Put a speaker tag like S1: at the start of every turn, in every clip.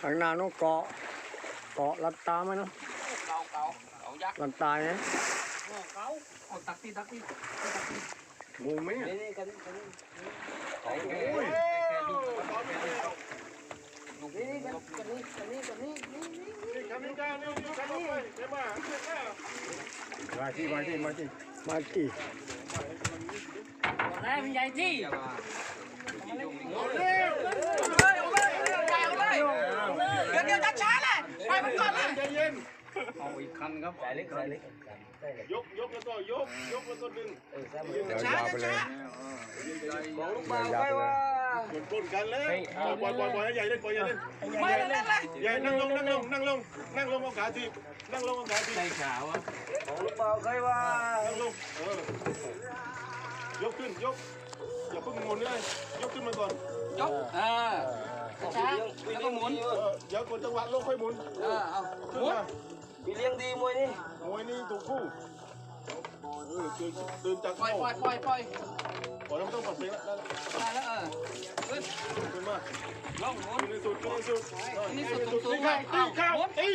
S1: ข้างหน้านู้นเกาะลัดตาไหมเนาะ
S2: เก่ายักษ์
S1: ลัดตายนะ
S2: เก่าเอาตักที่
S1: งูไหม
S2: นี่กัน
S1: โอ้ยมาที่มาที่
S2: ได้มันใหญ่ที่เดี๋ยวช้าๆเลยไปมันก่อนเลย
S3: ใจเย็น
S2: เอาอีกคันครับใส่เล็ก
S3: ยกแล้วก็ยกแล้วก็ดึง
S1: ช้าไปเลย
S2: บอกลูกบ่าวไปว่า
S3: ปนกันเลยปล่อยให้ใหญ่เล่นปล่อยใหญ่เล่น
S2: ไม่เล่นเลย
S3: ใหญ่นั่งลงเอาขาทีนั่งลงเอาขาที
S2: ใส่ขาวอ่ะบอกลูกบ่าวไปว่า
S3: นั่งลงยกขึ้นยกอย่าเพิ่งงนเลยยกขึ้นมาก่อน
S2: ยกช้าแล้วก็หมุน
S3: เดี๋ยวกดจังหวะลงค่อยหมุน
S2: เอาหมุนมีเลี้ยงดีมวยนี่
S3: ถูกคู่ตื่นจาก
S2: ปล่อย
S3: แล้วไม่ต้องปัดเพลงแล้ว
S2: ได้แล้ว
S3: ขึ้นมา
S2: ลงหมุน
S3: ขึ้นสุด
S2: สูง
S3: เข้าตี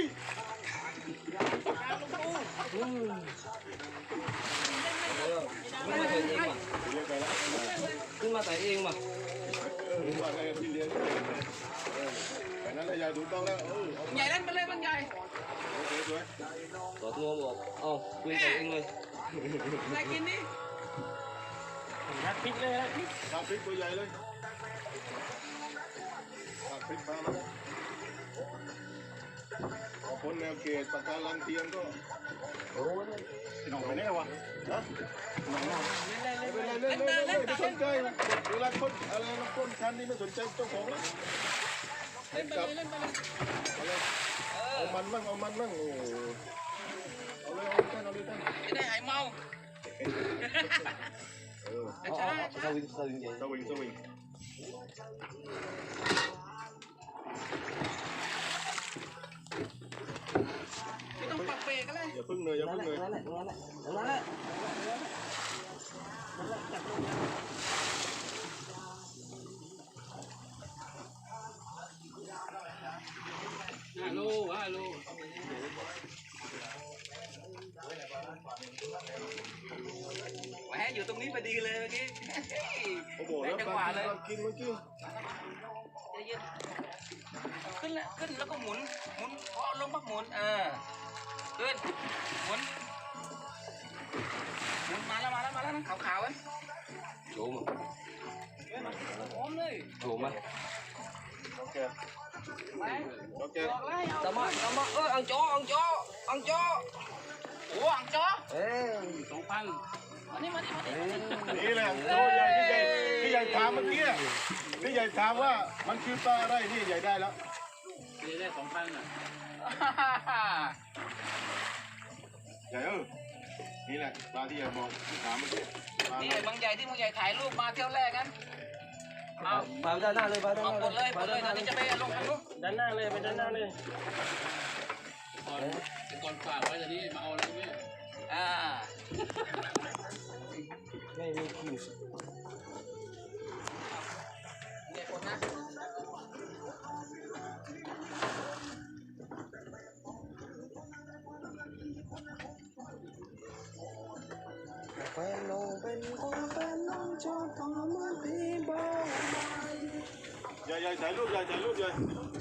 S2: ขึ้นมาใส่เองมา
S3: ว่าไงที่เลี้ยงแต่นั้นใหญ่ถูกต้องแล้ว
S2: ใหญ่เล่นไปเลยมันใหญ่
S3: สวย
S2: ต่อตัวบอกคุยใส่เองเลยใส่กินดิพริกเลย
S3: พริกตัวใหญ่เลยพริกมาแล้วคนแนวเกตปากกาลังเทียมก็หนองไปไหนวะฮะหนองเล่นไม่สนใจเวลาคนอะไรนะคนชั้นนี้ไม่สนใจเจ้าของแล้ว
S2: เล่นไปเลย
S3: เอามันมั่งโอ้เอาเลยท่าน
S2: จะได้หายเมา
S3: สวิง
S2: ไม่ต้องปักเบรกก็เลย
S3: อย่าพึ่งเลย
S2: นั่นแหละฮัลโหลแหมอยู่ตรงนี้พอดีเลยเมื่อกี้
S3: โอ้โหแล้วจังหวะเลยกินเมื่อกี้
S2: ขึ้นแล้วก็หมุนพอลงพักหมุนขึ้นหมุนมาแล้วนะขาวๆโฉมเลยโฉม
S3: โอเค
S2: ตามมาอังจอโอ้อังจอ2,000มานี่
S3: นี่แหละโอ้ใหญ่ที่ใหญ่ถามเมื่อกี้ที่ใหญ่ถามว่ามันคือปลาอะไรนี่ใหญ่ได้แล้ว
S2: ได้ 2,000อ่ะ
S3: ใหญ่นี่แหละปลาที่ใหญ่บอกที่ถามเมื่อกี้
S2: นี่บางใหญ่ที่มึงใหญ่ถ่ายรูปมาเที่ยวแรกกัน
S4: มาด้านหน้าเลย
S2: หมดเลยเดี๋ยวจะไปลงทางนู้น
S4: ด้านหน้าเลยไปด้านหน้าเลย
S2: ก่อนฝากไว้เดี๋ยวนี้มาเอาอะไรไหม
S4: ไม่มีคิว
S2: เด็กคนนะ
S4: แฟนน้องเป็นคนแฟนน้องชอบทำมาพี่บ้า
S3: ใหญ่ถ่ายรูปใหญ่